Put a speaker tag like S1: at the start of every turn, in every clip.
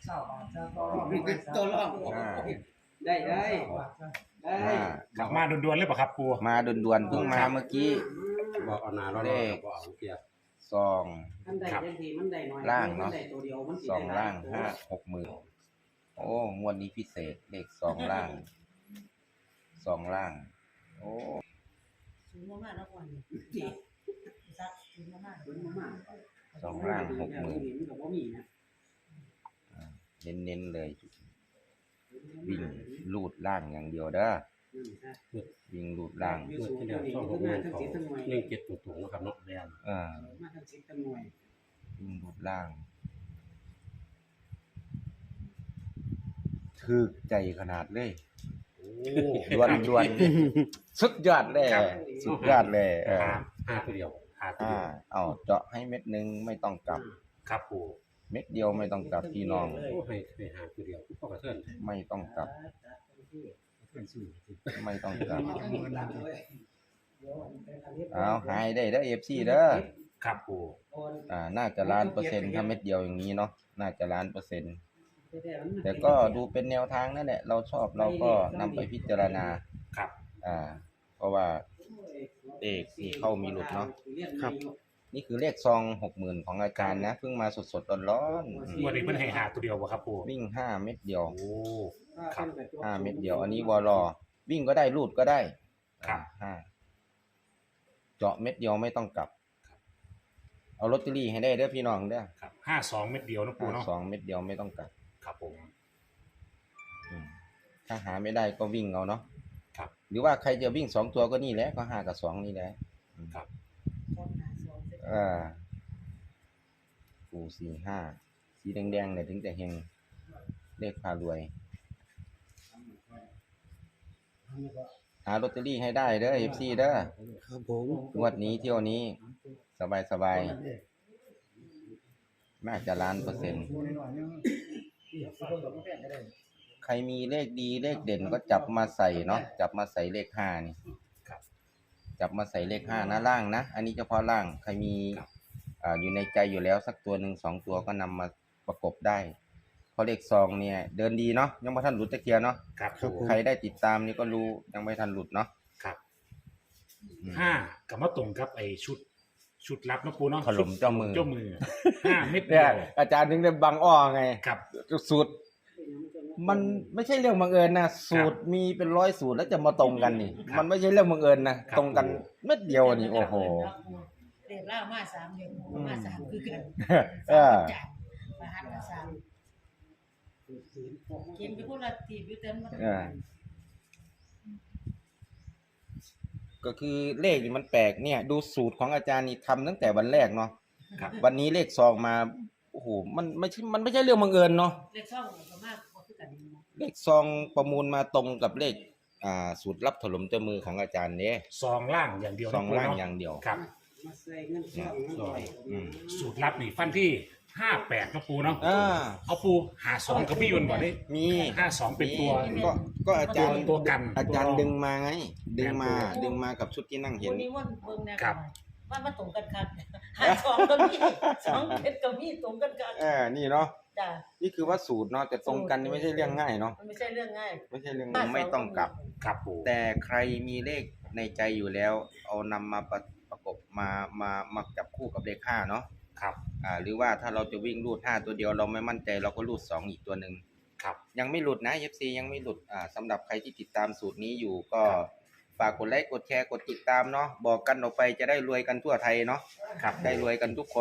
S1: ตัวรองได้
S2: กลับมาด่วนๆเลยป่ะครับปู
S3: มาด่วนๆเพิ่งมาเมื่อกี้
S1: บอกเอาหนาเรา
S3: เลข
S1: บอกเอาเกียร์
S3: ซอง
S4: มันได้ทันทีมันได้น้อย
S3: ล่างเนาะ
S4: มัได้ตัวเดียวมันสิ
S3: ซอง
S4: ได้
S3: ล่าง
S4: ตัว
S3: 60,000โอ้งวดนี้พิเศษเลขซองล่างซองล่าง โอ้
S5: สูงมากๆแล้วก่อนซักสูงมาก
S4: มันมาก
S3: ซองล่าง
S4: มันก็บ่มีนะ
S3: 60,000เน้นๆเลย วิ่งลูดล่างอย่างเดียวเด้อวิ่งลูดล่าง
S1: เมื่อที่แล้วช่องของเงินเขา17ตุ่งๆนะครับเนาะแดน
S4: มาทั้ง10ทั้งหน่วย
S3: วิ่งลูดล่างถึกใจขนาดเลย
S1: โอ้
S3: ด่วนสุดยอดเลยสุดยอดเลย
S1: ห้าตัวเดียว
S3: เอาเจาะให้เม็ดนึงไม่ต้องกลับ
S2: ครับปู
S3: เม็ดเดียวไม่ต้องกลับพี่น้อง
S1: โอ้ให้หาตัวเดียวพ่อกระเทือน
S3: ไม่ต้องกลับ
S1: เทือนสู้
S3: ไม่ต้องกลับเอาหายได้เด้อ FC เด้อ
S2: ครับปู
S3: น่าจะ1,000,000%ถ้าเม็ดเดียวอย่างนี้เนาะน่าจะ1,000,000%แต่ก็ดูเป็นแนวทางนั่นแหละเราชอบเราก็นำไปพิจารณา
S2: ครับ
S3: เพราะว่าเลขที่เข้ามีหลุดเนาะนี่คือเลขซอง 60,000ของอาจารย์นะเพิ่งมาสดๆร้อนๆ
S2: วันนี้เพิ่นให้หาตัวเดียวป่ะครับปู
S3: วิ่ง5 เม็ดเดียว
S2: โอ้ครับ
S3: 5 เม็ดเดียวอันนี้วอลอวิ่งก็ได้ลูดก็ได้
S2: ครับ
S3: เจาะเม็ดเดียวไม่ต้องกลับเอาลอตเตอรี่ให้ได้เด้อพี่น้องเด้อ
S2: ครับ52เม็ดเดียวนะปูเนาะ
S3: 2 เม็ดเดียวไม่ต้องกลับ
S2: ครับผม
S3: ถ้าหาไม่ได้ก็วิ่งเอาเนาะ
S2: ครับ
S3: หรือว่าใครจะวิ่ง2ตัวก็นี่แหละก็5กับ2นี่แหละ
S2: ครับ
S5: ๆซ้อนหาซ้อนเสร็จ
S3: ปู45สีแดงๆเนี่ยถึงจะเฮงเลขพารวยหาลอตเตอรี่ให้ได้เด้อ FC เด้อ
S1: ครับผม
S3: งวดนี้เที่ยวนี้สบายน่าจะ1,000,000%ใครมีเลขดีเลขเด่นก็จับมาใส่เนาะจับมาใส่เลข5นี่
S2: ครับ
S3: จับมาใส่เลข5นะล่างนะอันนี้เฉพาะล่างใครมีอยู่ในใจอยู่แล้วสักตัวหนึ่ง2ตัวก็นำมาประกบได้เพราะเลขซองเนี่ยเดินดีเนาะยังไม่ทันหลุดตะเกียเนาะ
S2: ครับปู
S3: ใครได้ติดตามนี่ก็รู้ยังไม่ทันหลุดเนาะ
S2: ครับ5กับมาตรงกับไอ้ชุดลับนะปูเนาะ
S3: ถล่มเจ้ามือ
S2: 5เม็ดเดี
S3: เนี่ย
S2: ยว
S3: อาจารย์ถึงได้บังอ้อไง
S2: ครับ
S3: สูตรมันไม่ใช่เรื่องบังเอิญนะสูตรมีเป็น100สูตรแล้วจะมาตรงกันนี่
S2: ครับ
S3: มันไม่ใช่เรื่องบังเอิญนะตรงกันเม็ดเดียวนี่โอ้โห
S5: เรียกล่ามา3เดือนมา3คือกัน
S3: เออ
S5: มาหันมา3เขียนไปคนละทีอยู่เต็มมา
S3: ก็คือเลขนี่มันแปลกเนี่ย ดูสูตรของอาจารย์นี่ทำตั้งแต่วันแรกเนาะ
S2: ครับ
S3: วันนี้เลขซองมาโอ้โหมันไม่ใช่เรื่องบังเอิญเนาะ
S5: เลขช่องก็มากบ่คือกันเนาะ
S3: เลขซองประมูลมาตรงกับเลขสูตรลับถล่มเจ้ามือของอาจารย์เนี่ย
S2: ซองล่างอย่างเดียว
S3: ซองล่าง
S2: นะปูเนะ
S3: อย่างเดียว
S2: ครับ
S4: มาใส่เงินช่องเงินลอย
S3: อืม
S2: สูตรลับนี่ฟันที่58นะปูเนาะ เอาปู52กับพี่ยุนบ่ได้
S3: มี
S2: 52เป็นตัว
S3: ก็อาจารย์
S2: ตัวกัน
S3: อาจารย์ดึงมาไง ดึงมากับชุดที่นั่งเห็
S5: วัน นนี้วันเบิ่งแน่
S2: ครับ
S5: ว่ามาตรงกันครับหา2ก็มี2เพชรก็มีตรงกันครับ
S3: นี่เนาะ
S5: จ้ะ
S3: นี่คือว่าสูตรเนาะแต่ตรงกันนี่ไม่ใช่เรื่องง่ายเนาะ
S5: มันไม่ใช่เรื่องง่าย
S3: ไม่ใช่เรื่องไม่ต้องกลับ
S2: ครับปู
S3: แต่ใครมีเลขในใจอยู่แล้ว เอานำมาประกบมาจับคู่กับเลข5เนาะ
S2: ครับ
S3: หรือว่าถ้าเราจะวิ่งรูด5ตัวเดียวเราไม่มั่นใจเราก็รูด2อีกตัวหนึ่ง
S2: ครับ
S3: ยังไม่หลุดนะ FC ยังไม่หลุดสำหรับใครที่ติดตามสูตรนี้อยู่ก็ฝากกดไลค์กดแชร์กดติดตามเนาะบอกกันออกไปจะได้รวยกันทั่วไทยเนาะ
S2: ครับ
S3: ได้รวยกันทุกคน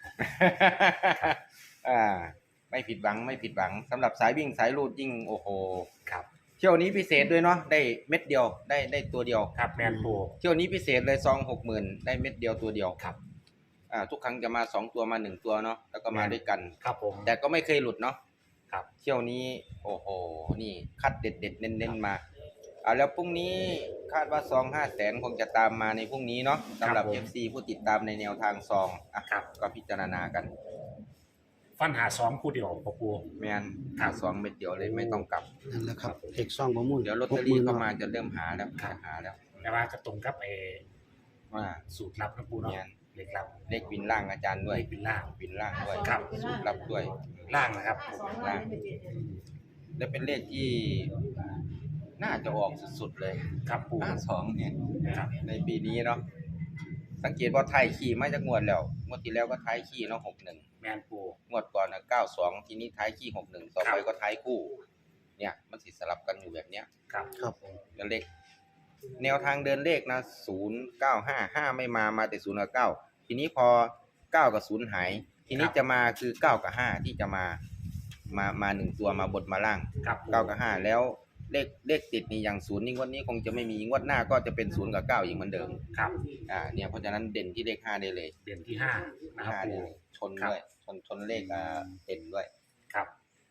S3: ไม่ผิดหวังสำหรับสายวิ่งสายรูดยิ่งโอ้โห
S2: ครับ
S3: เที่ยวนี้พิเศษด้วยเนาะได้เม็ดเดียวได้ตัวเดียว
S2: ครับแมนปู
S3: เที่ยวนี้พิเศษเลยซอง 60,000ได้เม็ดเดียวตัวเดียว
S2: ครับ
S3: ทุกครั้งจะมา2ตัวมา1ตัวเนาะแล้วก็มาด้วยกัน
S2: ครับผม
S3: แต่ก็ไม่เคยหลุดเนาะ
S2: ครับ
S3: เที่ยวนี้โอ้โหนี่คัดเด็ดเน้นมาแล้วพรุ่งนี้คาดว่าซอง500,000คงจะตามมาในพรุ่งนี้เนาะสำหรับ FC ผู้ติดตามในแนวทางซองก็พิจารณากัน
S2: ฟันหา2คู่เดียวปู
S3: แมนหา2เม็ดเดียวเลยไม่ต้องกลับ
S1: นั่นแหละครับเอกซ่องประมูล
S3: เดี๋ยวลอตเตอรี่เข้ามาจะเริ่มหาแล้วหาแล้ว
S2: แต่ว่าก็ตรงกับไอ้
S3: ว่า
S2: สูตรลับนะปูเนาะ
S3: แมน
S2: เลขลับ
S3: เลขวินล่างอาจารย์ด้วย
S2: เลขวินล่าง
S3: วินล่างด้วย
S2: ครับ
S3: สูตรลับด้วย
S2: ล่างนะครับ
S3: ล่างและเป็นเลขที่น่าจะออกสุดๆเลย
S2: ครับปู
S3: 52เนี่ย
S2: ครับ
S3: ในปีนี้เนาะสังเกตว่าไทยขี่มาจากงวดแล้วงวดที่แล้วก็ไทยขี่เนาะ61
S2: แมนปู
S3: งวดก่อนนะ92ทีนี้ท้ายขี้61ต่อไปก็ท้ายคู่ เนี่ยมันสิสลับกันอยู่แบบเนี้ย
S2: ครับ
S6: ครับ
S3: แล้วเลขแนวทางเดินเลขนะ0955ไม่มาแต่0กับ9ทีนี้พอ9กับ0หาย ทีนี้จะมาคือ9กับ5ที่จะมา1ตัวมาบทมาล่าง
S2: ครับ
S3: 9กับ5แล้วเลขติดนี่อย่าง0นี่งวดนี้คงจะไม่มีงวดหน้าก็จะเป็น0กับ9อีกเหมือนเดิม
S2: ครับ
S3: เนี่ยเพราะฉะนั้นเด่นที่เลข5ได้เลย
S2: เด่นที่ห้านะครับ
S3: 5
S2: ปู
S3: ได้เลยชนด้วยชนเลขเด่นด้วย
S2: ครับ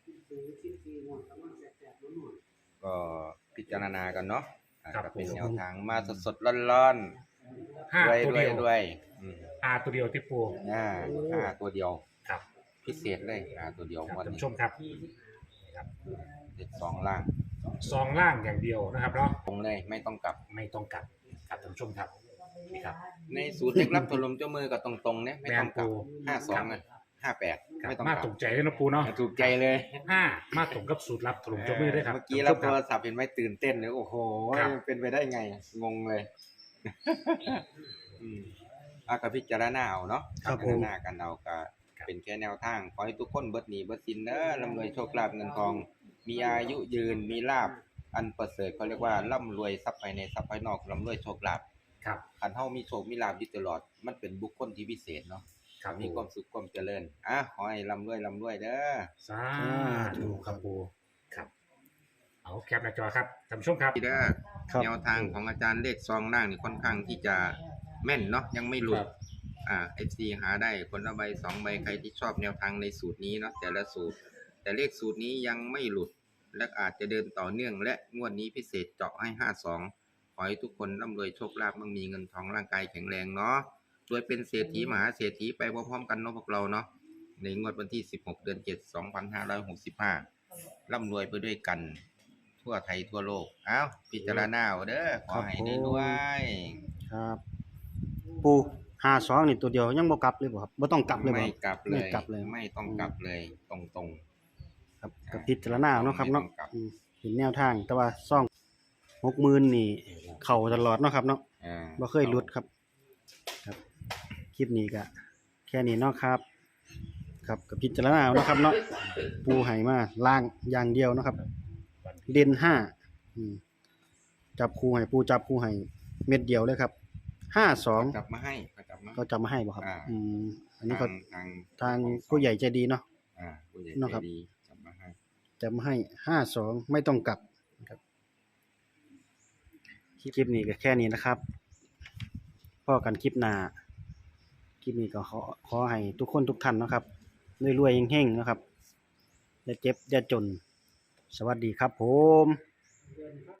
S3: ก็พิจารณากันเนาะ
S2: ครับ
S3: ก็เป็น
S2: ผม
S3: แนวทางมาสดๆร้อน
S2: ห้า
S3: ๆรวย
S2: ตัว
S3: รว
S2: เดี
S3: ย
S2: ยว
S3: รวย
S2: ตัวเดียวที่ปู
S3: ตัวเดียว
S2: ครับ
S3: พิเศษเลยตัวเดียว
S2: ครับ
S3: วัน
S2: ท่าน
S3: นี้
S2: ผู้ชมครับครับ
S3: เด็ด2ล่าง
S2: ซองล่างอย่างเดียวนะครับเนาะ
S3: ตรงเลยไม่ต้องกลับ
S2: ไม่ต้องกลับครับท่านผู้ชมครับนี่ครับ
S3: ในสูตรเล็กรับถล่มเจ้ามือกับตรงๆเนี่ยไม่ต้องกลับ
S2: แม่นปู
S3: 52นะ58ไม่ต้อง
S2: มาก
S3: ลับ
S2: ตกใจเลยนะปูเนาะ
S3: ถูกใจเลย
S2: ห้ามาตรงกับสูตรลับถล่มเจ้ามือด้วยครับ
S3: เมื่อกี้รับโทรศัพท์เห็นไหมตื่นเต้นเลยโอ้โห
S2: ครับ
S3: เป็นไปได้ไงงงเลยกับพิจารณาเอาเนาะ
S6: ครับ
S3: พิจารณากันเอาก็เป็นแค่แนวทางขอให้ทุกคนเบิดหนีเบิดสินเด้อร่ำรวยโชคลาภเงินทอง มีอายุยืนมีลาภอันประเสริฐเขาเรียกว่าร่ำรวยทรัพย์ภายในทรัพย์ภายนอกร่ำรวยโชคลาภ
S2: ครับ
S3: คันเฮามีโชคมีลาภอยู่ตลอดมันเป็นบุคคลที่พิเศษเนาะ
S2: ครับ
S3: มีความสุขความเจริญขอให้ร่ำรวยเด้อ
S2: สาธุครับปูครับ เอาแคปหน้าจอครับท่านผู้ชมครับ
S3: เด้อ
S6: ครับ
S3: แนวทางของอาจารย์เลขซองล่างนี่ค่อนข้างที่จะแม่นเนาะยังไม่หลุดFC หาได้คนละใบ2ใบใครที่ชอบแนวทางในสูตรนี้เนาะแต่ละสูตร แต่เลขสูตรนี้ยังไม่หลุด และอาจจะเดินต่อเนื่องและงวดนี้พิเศษเจาะให้52ขอให้ทุกคนร่ำรวยโชคลาภมั่งมีเงินทองร่างกายแข็งแรงเนาะรวยเป็นเศรษฐีมหาเศรษฐีไปพร้อมๆกันเนาะพวกเราเนาะในงวดวันที่16เดือน7 2565ร่ำรวยไปด้วยกันทั่วไทยทั่วโลกพิจารณาเอาเด้อขอให้ได้รวย
S6: ครับ ปู52นี่ตัวเดียวยังบ่กลับเลยบ่ครับบ่ต้องกลับเลยบ่
S3: ไม่กลับเลย
S6: ไม่กลับเลย
S3: ไม่ต้องกลับเลยตรง
S6: ครับก็พิจารณาเอาเนาะครับเนาะ
S3: ไม่ต้องกลับ
S6: เห็นแนวทางแต่ว่าซ่อง60,000นี่เข้าตลอดเนาะครับเนาะ
S3: ๆ
S6: บ่เคยหลุดครับ ครับ คลิปนี้ก็แค่นี้เนาะครับ ครับก็พิจารณาเอาเนาะครับเนาะปูให้มาล่างอย่างเดียวเนาะครับ เด่น5จับคู่ให้ปูจับคู่ให้เม็ดเดียวเลยครับ52
S3: กลับมาให้กลับมา
S6: ก็จะมาให้บ่ครับ อันนี้ก็
S3: ทาง
S6: ผู้ใหญ่ใจดีเนาะ
S3: ผู้ใหญ่
S6: เนาะ
S3: ใจ
S6: ครับ
S3: ดีกลับมาให้
S6: จะมาให้52ไม่ต้องกลับนะครับคลิปนี้ก็แค่นี้นะครับพอกันคลิปหน้าคลิปนี้ก็ขอให้ทุกคนทุกท่านเนาะครับรวยๆเฮงๆนะครับอย่าเจ็บอย่าจน สวัสดีครับผม